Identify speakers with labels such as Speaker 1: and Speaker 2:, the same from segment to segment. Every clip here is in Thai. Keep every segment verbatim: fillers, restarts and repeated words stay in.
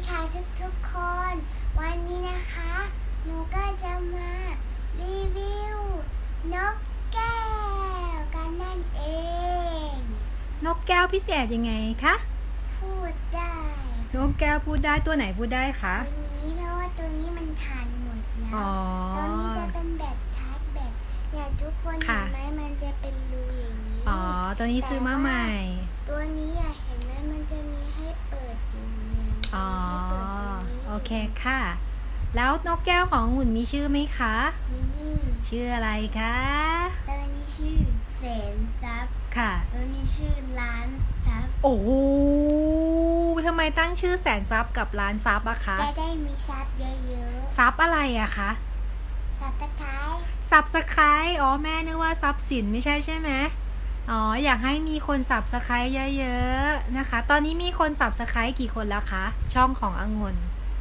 Speaker 1: ค่ะทุกทุกคนวันนี้นะคะหนูก็จะมารีวิวนกแก้วกันนั่นเอง
Speaker 2: นกแก้วพิเศษยังไงคะ
Speaker 1: พูดได้
Speaker 2: นกแก้วพูดได้ตัวไหนพูดได้คะ
Speaker 1: ตัวนี้เพราะว่าตัวนี้มันทานหมดแล้วตัวนี้จะเป็นแบบชาร์จแบตเนี่ยทุกคนเห็นไหมมันจะเป็นรูอย่างนี้
Speaker 2: อ๋อตัวนี้ซื้อมาใหม่
Speaker 1: ตัวนี้อะเห็นไหมมันจะมีให้เปิดอยู่เนี่ย
Speaker 2: อ๋อโอเคค่ะแล้วนกแก้วของหุ่นมีชื่อไหมคะ
Speaker 1: มี
Speaker 2: ชื่ออะไรคะ
Speaker 1: ตัวนี้ชื่อแสนทรัพย์
Speaker 2: ค่ะ
Speaker 1: ตัวนี้ชื่อล้านทรัพย์
Speaker 2: โอ้โหทำไมตั้งชื่อแสนทรัพย์กับล้านทรัพย์อะคะ
Speaker 1: จะได้มีทรัพย์เยอะ
Speaker 2: ๆทรัพย์อะไรอะคะ
Speaker 1: ทรัพย์ตะไคร้
Speaker 2: ทรัพย์สไคร้อ๋อแม่นึกว่าทรัพย์สินไม่ใช่ใช่ไหมอ๋ออยากให้มีคนสับสไคร้เยอะๆนะคะตอนนี้มีคนสับสไคร้กี่คนแล้วคะช่องขององุ่น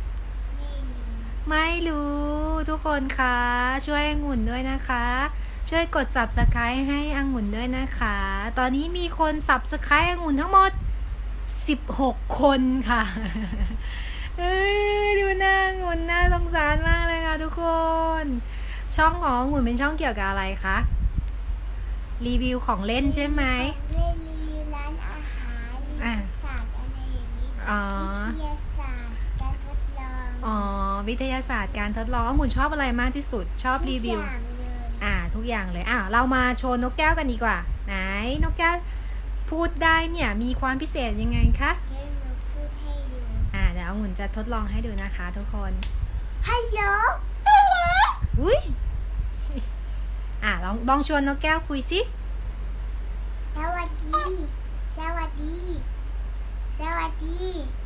Speaker 2: ไม่รู้ทุกคนคะช่วยองุ่นด้วยนะคะช่วยกด ซับสไครบ์ ให้องุ่นด้วยนะคะตอนนี้มีคน ซับสไครบ์ องุ่นทั้งหมดสิบหกคนค่ะเอ้ยดูหน้าองุ่นน่าสงสารมากเลยค่ะทุกคนช่องขององุ่นเป็นช่องเกี่ยวกับอะไรคะรีวิวของเล่นใช่ไหม
Speaker 1: เล่นรีวิวร้านอาหารรีวิวศาสตร์อะไรอย่างนี้วิทยาศาสตร์การทดลอง
Speaker 2: อ๋อวิทยาศาสตร์การทดลององุ่นชอบอะไรมากที่สุดชอบรีวิวอ่าทุกอย่างเลยอ่าเรามาโชว์นกแก้วกันดีกว่าไหนนกแก้วพูดได้เนี่ยมีความพิเศษยังไงคะ
Speaker 1: เดี๋ยวหนูพูดให้ดู
Speaker 2: อ่าเดี๋ยวองุ่นจะทดลองให้ดูนะคะทุกคน
Speaker 1: ฮัลโหล
Speaker 2: อุ้ยอ่าลองลองชวนนกแก้วคุยสิ
Speaker 1: สวัสดีสวัสดีสวัสดี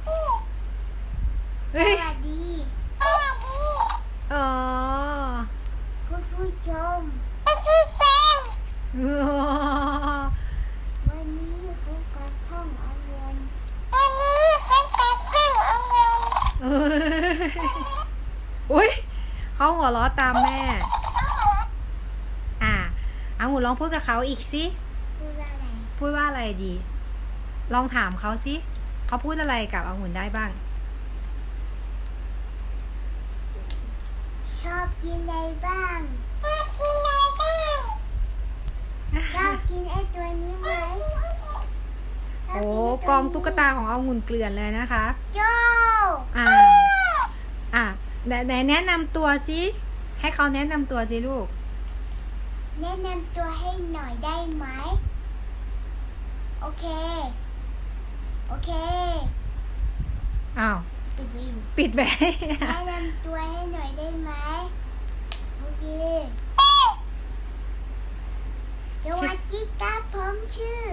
Speaker 1: สวัสดี
Speaker 2: อ๋อ
Speaker 1: คุณผู้ชมวันนี้คุณกระท่องอารมณ์วันนี้คุณกระท่องอารมณ์
Speaker 2: อุ้ยเขาหัวเราะตามแม่อ่าเอาหมูลองพูดกับเขาอีกสิ
Speaker 1: พูดว่าอะไร
Speaker 2: พูดว่าอะไรดีลองถามเขาสิเขาพูดอะไรกับองุ่นได้บ้าง
Speaker 1: ชอบกินอะไรบ้างชอบกินอะไรบ้างชอบกินไอ้ตัวนี้ไหม
Speaker 2: โอ้กองตุ๊กตาขององุ่นเกลื่อนเลยนะคะ
Speaker 1: โจ
Speaker 2: อ่าอ่าไหนแนะนำตัวสิให้เขาแนะนำตัวสิลูก
Speaker 1: แนะนำตัวให้หน่อยได้ไหมโอเคโอเค
Speaker 2: อ้าว
Speaker 1: ปิดไว้อยู่
Speaker 2: ปิดไว้
Speaker 1: แนะนำตัวให้หน่อยได้ไหมโอเคสวัสดีครับผมชื่อ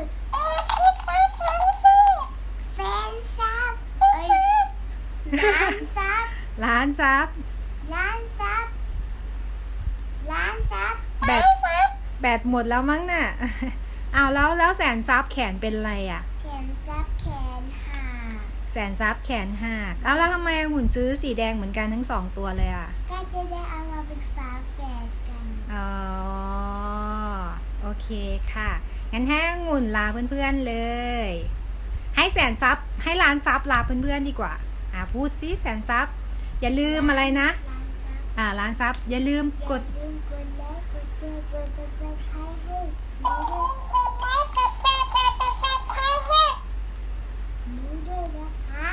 Speaker 1: แฟนซับเอ้ยล้านซับ
Speaker 2: ล้านซับ
Speaker 1: ล้านซับล้านซับ
Speaker 2: แบตแบตหมดแล้วมั้งน่ะอ้าวแล้วแล้วแสนซับแขนเป็นอะไรอ่ะ
Speaker 1: แขนซับแขนหัก
Speaker 2: แสนซับแขนหักอ้าวแล้วทำไมหุ่นซื้อสีแดงเหมือนกันทั้งสองตัวเลยอ่ะ
Speaker 1: ก็จะได้เอามาเป็นฝาแฝดกัน
Speaker 2: อ๋อโอเคค่ะงั้นให้องุ่นลาเพื่อนๆเลยให้แสนซับให้ล้านซับลาเพื่อนๆดีกว่าอ่าพูดซิแสนซับอย่าลืมอะไรนะอ่าล้านซับอย่าลืมกด
Speaker 1: อย่าลืมกดไลค์กดแชร์กดติดตามให้ให้หนูด้วยนะคะ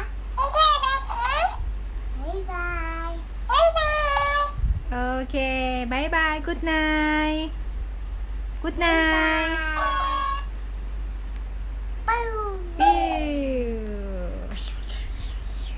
Speaker 1: บ๊ายบายบ๊ายบาย
Speaker 2: โอเคบายบายกู๊ดไนท์กู๊ดไนท์